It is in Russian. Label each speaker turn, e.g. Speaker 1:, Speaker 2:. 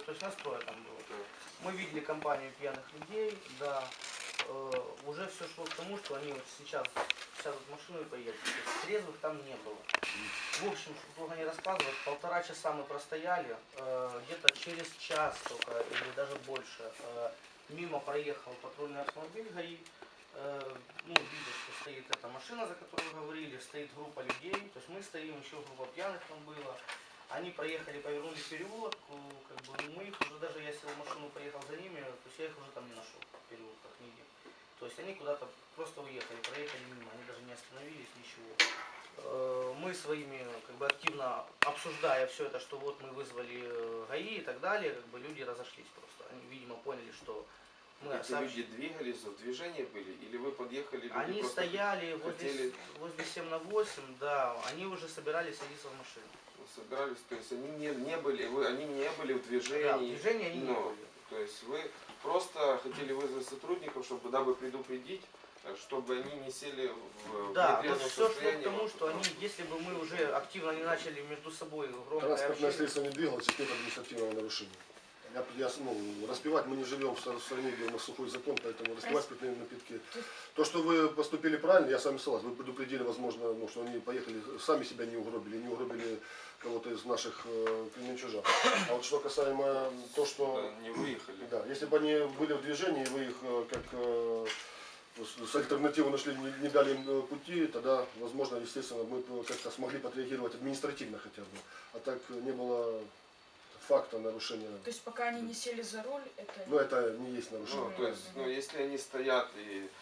Speaker 1: То есть настроя там было. Мы видели компанию пьяных людей, да. Уже все шло к тому, что они вот сейчас сядут в машину и поедут. Трезвых там не было. В общем, чтобы долго не рассказывать, 1,5 часа мы простояли, где-то через час только, или даже больше, мимо проехал патрульный автомобиль ГАИ. Ну, видно, что стоит эта машина, за которую вы говорили, стоит группа людей, то есть мы стоим, еще группа пьяных там было. Они проехали, повернули в переулок, как бы мы их уже, даже я сел в машину, поехал за ними, то есть я их уже там не нашел в переулках нигде. То есть они куда-то просто уехали, проехали мимо, они даже не остановились, ничего. Мы своими, как бы, активно обсуждая все это, что вот мы вызвали ГАИ и так далее, как бы люди разошлись просто. Они, видимо, поняли, что мы
Speaker 2: эти люди двигались, в движении были, или вы подъехали, люди
Speaker 1: они
Speaker 2: просто
Speaker 1: стояли
Speaker 2: хотели...
Speaker 1: возле 7 на 8, да, они уже собирались садиться в машину.
Speaker 2: Собирались, то есть они не были, они не были в движении.
Speaker 1: Да, в движении они не были.
Speaker 2: То есть вы просто хотели вызвать сотрудников, чтобы дабы предупредить, чтобы они не сели в
Speaker 1: да,
Speaker 2: нетрезвом
Speaker 1: все шло
Speaker 2: состоянии.
Speaker 1: к тому, что они, если бы мы уже активно не начали между собой громко
Speaker 3: транспортное средство не двигалось, и нет административного нарушения. Распивать мы не живем в стране, где у нас сухой закон, поэтому распивать спиртные напитки. То, что вы поступили правильно, я с вами согласен. Вы предупредили, возможно, что они поехали, сами себя не угробили кого-то из наших кременчужан. А вот что касаемо то, что...
Speaker 2: Да, не выехали.
Speaker 3: Да, если бы они были в движении, вы их как с альтернативой нашли, не дали им пути, тогда, возможно, естественно, мы как-то смогли отреагировать административно хотя бы. А так не было факта нарушения.
Speaker 4: То есть пока они не сели за руль, это...
Speaker 3: Ну это не есть нарушение.
Speaker 2: Ну, то есть, если они стоят и